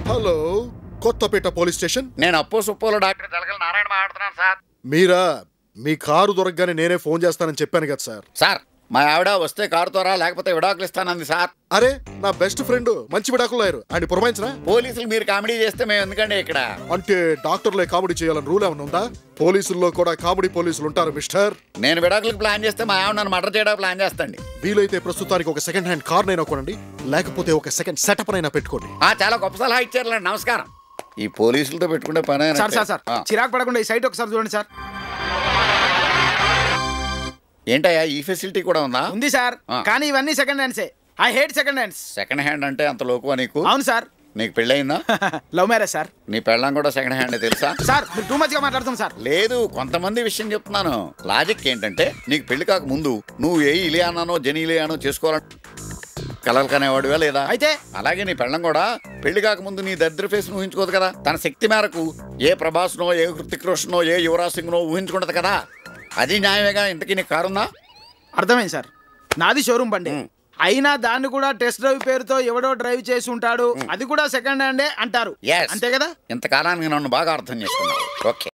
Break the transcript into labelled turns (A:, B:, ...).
A: Hello, Kothapeta police station.
B: నేను అప్పు సుప్పులో doctor జలగల Narayana మాట్లాడుతున్నాను సార్.
A: మీరా? మీ కారు దొరకగానే నేనే ఫోన్ చేస్తానని చెప్పాను కదా సార్.
B: సార్ మా ఆవిడ వస్తే కారుతో రా, లేకపోతే విడాకులు ఇస్తానంది సార్.
A: అరే, నా బెస్ట్ ఫ్రెండ్ మంచి విడాకులు అయ్యారు, ఆయన పురమాయించరా?
B: పోలీసులు మీరు కామెడీ చేస్తే మేము ఎందుకండి ఇక్కడ?
A: అంటే డాక్టర్లే కామెడీ చేయాలని రూల్ ఏమైనా ఉందా? పోలీసుల్లో కూడా కామెడీ పోలీసులు ఉంటారు మిస్టర్.
B: నేను విడాకులకు ప్లాన్ చేస్తే మా ఆవిడ నన్ను మర్డర్ చేయడానికి ప్లాన్ చేస్తండి.
A: వీలైతే ప్రస్తుతానికి ఒక సెకండ్ హ్యాండ్ కార్ నైనా కొనండి, లేకపోతే ఒక సెకండ్ సెటప్ నైనా పెట్టుకోండి.
B: చాలా గొప్ప సలహా ఇచ్చారులేండి, నమస్కారం. ఈ పోలీసులతో పెట్టుకుంటే పని
C: సార్ చిరాకు పడకుండా ఈ సైట్ ఒకసారి చూడండి సార్.
B: ఏంటయ్యా ఈ ఫెసిలిటీ కూడా ఉందా?
C: ఉంది సార్, కానీ ఇవన్నీ సెకండ్ హ్యాండ్సే. I hate second hands.
B: Second hand అంటే అంత లోకువా నీకు?
C: అవును సార్.
B: నీకు పెళ్ళయిందా?
C: Love marriage sir.
B: నీ పెళ్ళం కూడా సెకండ్ హ్యాండ్ తెలుసా?
C: సార్ మీరు టూ మచ్ గా మాట్లాడుతాం సార్.
B: లేదు, కొంతమంది విషయం చెప్తున్నాను. లాజిక్ ఏంటంటే నీకు పెళ్లి కాక ముందు నువ్వు ఏ ఇలియానానో జెనీలియానో చేసుకోవాలని కలలు కనేవాడుగా లేదా?
C: అయితే
B: అలాగే నీ పెళ్ళం కూడా పెళ్లి కాక ముందు నీ దరిద్ర ఫేస్ ఊహించుకోదు కదా. తన శక్తి మేరకు ఏ ప్రభాస్నో, ఏ హృతిక్ రోషనో, ఏ యువరాజ్ సింగ్నో ఊహించుకుంటది కదా. అది న్యాయమేగా. ఇంతకీ నీకు కారుందా?
C: అర్థమైంది సార్. నాది షోరూమ్ బండి, అయినా దాన్ని కూడా టెస్ట్ డ్రైవ్ పేరుతో ఎవడో డ్రైవ్ చేసి ఉంటాడు, అది కూడా సెకండ్ హ్యాండే అంటారు. అంతే కదా?
B: ఇంతకాలానికి నన్ను బాగా అర్థం చేసుకున్నావు. ఓకే.